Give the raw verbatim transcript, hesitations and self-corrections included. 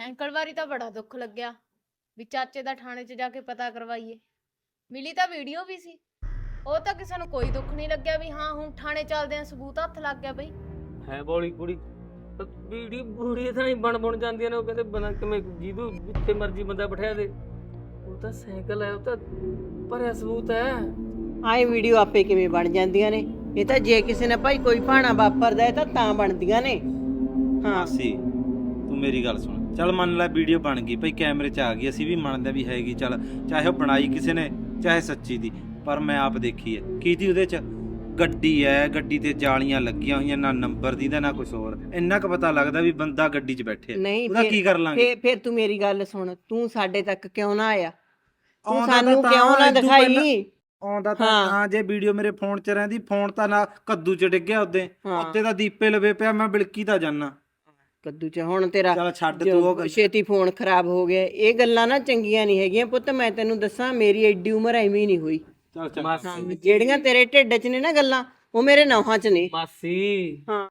Cycle ਵਾਰੀ ਤਾਂ ਬੜਾ ਦੁੱਖ ਲੱਗਿਆ ਵੀ ਚਾਚੇ ਦਾ ਥਾਣੇ 'ਚ ਜਾ ਕੇ ਪਤਾ ਕਰਵਾਈਏ। ਮਿਲੀ ਤਾਂ ਵੀਡੀਓ ਵੀ ਸੀ, ਉਹ ਤਾਂ ਕਿਸੇ ਨੂੰ ਕੋਈ ਦੁੱਖ ਨਹੀਂ ਲੱਗਿਆ ਵੀ ਹਾਂ ਹੁਣ ਥਾਣੇ ਚੱਲਦੇ ਆ, ਸਬੂਤ ਹੱਥ ਲੱਗ ਗਿਆ ਬਈ। ਹੈ ਬੋਲੀ ਕੁੜੀ ਵੀਡੀਓ ਬੂੜੀ ਤਾਂ ਨਹੀਂ ਬਣ ਬਣ ਜਾਂਦੀਆਂ ਨੇ। ਉਹ ਕਹਿੰਦੇ ਬਣਾ ਕਿਵੇਂ ਜਿਹਦੂ ਜਿੱਥੇ ਮਰਜੀ ਬੰਦਾ ਬਿਠਾ ਦੇ। ਉਹ ਤਾਂ ਸਾਈਕਲ ਹੈ, ਉਹ ਤਾਂ ਭਰਿਆ ਸਬੂਤ ਹੈ। ਆਏ ਵੀਡੀਓ ਆਪੇ ਕਿਵੇਂ ਬਣ ਜਾਂਦੀਆਂ ਨੇ? ਇਹ ਤਾਂ ਜੇ ਕਿਸੇ ਨੇ ਭਾਈ ਕੋਈ ਭਾਣਾ ਵਾਪਰਦਾ ਹੈ ਤਾਂ ਤਾਂ ਬਣਦੀਆਂ ਨੇ। ਹਾਂ ਮਾਸੀ ਤੂੰ ਮੇਰੀ ਗੱਲ ਸੁਣ, ਚੱਲ ਮੰਨ ਲੈ ਵੀਡੀਓ ਬਣ ਗਈ ਭਾਈ, ਕੈਮਰੇ 'ਚ ਆ ਗਈ, ਅਸੀਂ ਵੀ ਮੰਨਦੇ ਵੀ ਹੈਗੀ, ਚੱਲ ਚਾਹੇ ਉਹ ਬਣਾਈ ਕਿਸੇ ਨੇ ਚਾਹੇ ਸੱਚੀ ਦੀ, ਪਰ ਮੈਂ ਆਪ ਦੇਖੀ ਹੈ ਕੀ ਤੀ ਉਹਦੇ 'ਚ। ਗੱਡੀ ਹੈ, ਗੱਡੀ ਤੇ ਜਾਲੀਆਂ ਲੱਗੀਆਂ ਹੋਈਆਂ, ਨਾ ਨੰਬਰ ਦੀ ਦਾ ਨਾ ਕੁਝ ਹੋਰ। ਇੰਨਾ ਕੁ ਪਤਾ ਲੱਗਦਾ ਵੀ ਬੰਦਾ ਗੱਡੀ 'ਚ ਬੈਠੇ ਨਹੀਂ ਉਹਦਾ ਕੀ ਕਰ ਲਾਂਗੇ। ਫੇਰ ਫੇਰ ਤੂੰ ਮੇਰੀ ਗੱਲ ਸੁਣ, ਤੂੰ ਸਾਡੇ ਤੱਕ ਕਿਉਂ ਨਾ ਆਇਆ? ਤੂੰ ਆਉਂਦਾ ਸਾਨੂੰ ਤਾਂ ਕਿਉਂ ਨਾ ਇਦੋਂ ਦਿਖਾਈ? ਪਹਿਲਾਂ- ਆਉਂਦਾ ਤਾਂ ਹਾਂ, ਜੇ ਵੀਡੀਓ ਮੇਰੇ ਫੋਨ 'ਚ ਰਹਿੰਦੀ, ਫੋਨ ਤਾਂ ਨਾ ਕੱਦੂ 'ਚ ਡਿੱਗਿਆ ਉੱਤੇ ਉੱਤੇ ਤਾਂ ਦੀਪੇ ਲਵੇ ਪਿਆ, ਮੈਂ ਬਿਲਕੀ ਤਾਂ ਜਾਨਾ ਕੱਦੂ ਚ। ਹੁਣ ਤੇਰਾ ਚੱਲ ਛੱਡ ਜੋ ਤੂੰ ਉਹ ਗੱਲ। ਛੇਤੀ ਫੋਨ ਖਰਾਬ ਹੋ ਗਿਆ, ਇਹ ਗੱਲਾਂ ਨਾ ਚੰਗੀਆਂ ਨਹੀਂ ਹੈਗੀਆਂ ਪੁੱਤ। ਮੈਂ ਤੈਨੂੰ ਦੱਸਾਂ, ਮੇਰੀ ਐਡੀ ਉਮਰ ਐਵੇਂ ਨਹੀਂ ਹੋਈ। ਚੱਲ ਚੱਲ ਮਾਸੀ ਜਿਹੜੀਆਂ ਤੇਰੇ ਢਿੱਡ 'ਚ ਨੇ ਨਾ ਗੱਲਾਂ, ਉਹ ਮੇਰੇ ਨੌਹਾਂ 'ਚ ਨੇ। ਮਾਸੀ ਹਾਂ